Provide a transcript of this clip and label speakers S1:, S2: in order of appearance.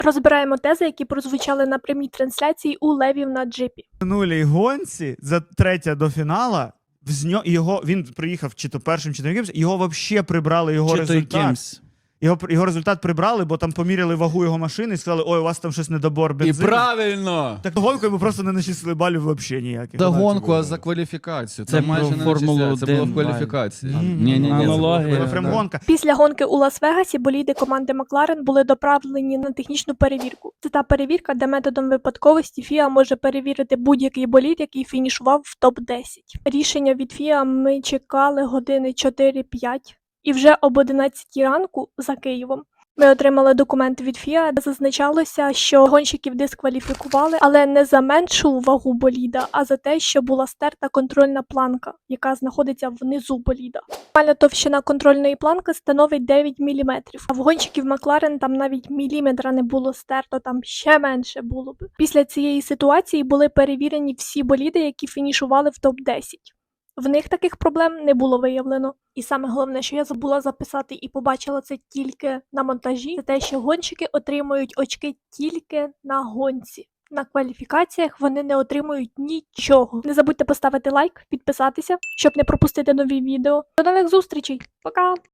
S1: Розбираємо тези, які прозвучали на прямій трансляції у Левів на джипі.
S2: В минулій гонці за третя до фінала він приїхав чи то першим, чи то якимсь, його взагалі прибрали його результат. Його результат прибрали, бо там поміряли вагу його машини і сказали, ой, у вас там щось недобор бензину.
S3: І правильно!
S2: Так гонку йому просто не начислили балів взагалі ніяких.
S3: Та гонку, а за кваліфікацію.
S4: Це
S3: майже не
S4: Формулу
S3: Це було в кваліфікації.
S4: Ні. Аналогія.
S2: Прям гонка.
S1: Після гонки у Лас-Вегасі боліди команди Макларен були доправлені на технічну перевірку. Це та перевірка, де методом випадковості FIA може перевірити будь-який болід, який фінішував в топ-10. Рішення від FIA ми чекали години 4-5. І вже об 11 ранку за Києвом ми отримали документ від FIA, де зазначалося, що гонщиків дискваліфікували, але не за меншу вагу боліда, а за те, що була стерта контрольна планка, яка знаходиться внизу боліда. Максимальна товщина контрольної планки становить 9 мм, а в гонщиків Макларен там навіть міліметра не було стерто, там ще менше було б. Після цієї ситуації були перевірені всі боліди, які фінішували в топ-10. В них таких проблем не було виявлено. І саме головне, що я забула записати і побачила це тільки на монтажі, це те, що гонщики отримують очки тільки на гонці. На кваліфікаціях вони не отримують нічого. Не забудьте поставити лайк, підписатися, щоб не пропустити нові відео. До нових зустрічей. Пока!